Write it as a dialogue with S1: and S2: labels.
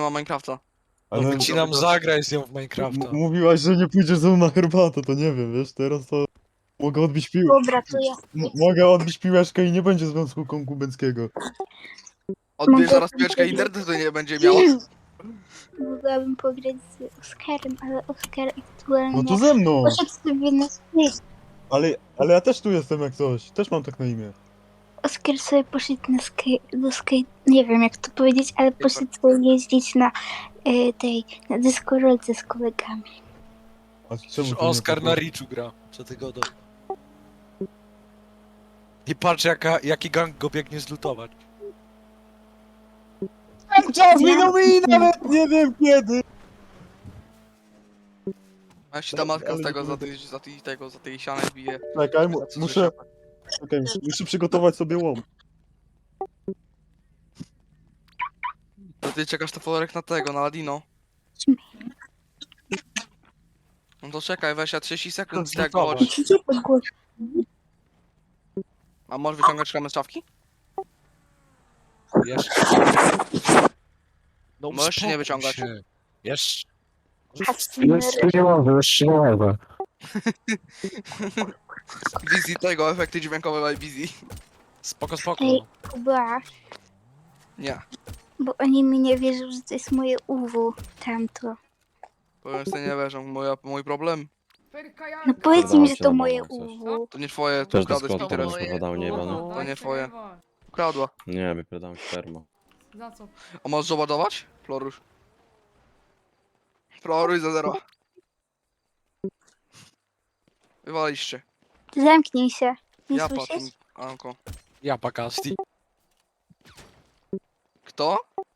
S1: ma Minecrafta.
S2: No
S3: Ale
S2: wycinam, zagraj z nią w Minecrafta.
S3: mówiłaś, że nie pójdziesz ze mną na herbatę, to nie wiem, wiesz, teraz to mogę odbić
S4: Dobra, to ja
S3: mogę odbić piłeczkę i nie będzie związku konkubenckiego.
S1: Odbierz
S4: Mogę
S1: zaraz pieczkę, internetu to nie będzie miała.
S4: mogłabym pograć z Oskarem, ale Oskar aktualnie
S3: No to ze mną!
S4: poszedł sobie na space.
S3: Ale ja też tu jestem jak coś, też mam tak na imię.
S4: Oskar sobie poszedł na nie wiem jak to powiedzieć, ale poszedł sobie jeździć na na deskorolce z kolegami.
S3: A czemu
S2: Przecież
S3: to nie
S2: Oskar
S3: tak?
S2: na Richu gra. Co ty godo? I patrz jaki gang go biegnie zlutować.
S3: Czas minął mi nawet nie wiem kiedy!
S1: A jeśli ta matka
S3: Ale
S1: z
S3: nie
S1: tego,
S3: pamiętam.
S1: za tej ściany bije.
S3: Czekaj, muszę przygotować sobie łom.
S1: To ty czekasz to folorek na tego, na Ladino. No to czekaj, weź, ja 30 sekund z tego,
S2: Zlutować.
S1: chodź.
S4: Gdzie to głos?
S1: A możesz wyciągać klamę z szafki?
S2: Jeszcze. No
S1: Możesz czy nie
S2: uspokój
S1: wyciągać?
S2: się. Jeszcze.
S4: Kasmer.
S2: jeszcze nie mogę.
S1: Busy tego, efekty dźwiękowe by Busy.
S2: Spoko, spoko.
S4: Ej, Kuba,
S1: Nie.
S4: bo oni mi nie wierzą, że to jest moje UW, tamto.
S1: Powiem sobie, nie wierzę, mój problem.
S4: No powiedz im, że
S5: cię
S4: to
S5: na
S4: moje
S5: bank coś.
S4: UW.
S1: To nie twoje, to
S5: Też
S1: ukradłeś
S5: dyskot
S1: mi
S5: teraz
S1: teraz.
S5: wypadał, nie jebany.
S1: To nie twoje. Ukradła.
S5: Nie, wyprzedałem sperma.
S6: Za co?
S1: A możesz załadować? Florusz. Florusz za 0. Wywaliście.
S4: Zamknij się. Nie
S1: Ja
S4: słyszysz?
S1: patrzę. Anko.
S2: Ja pakasti.
S1: Kto?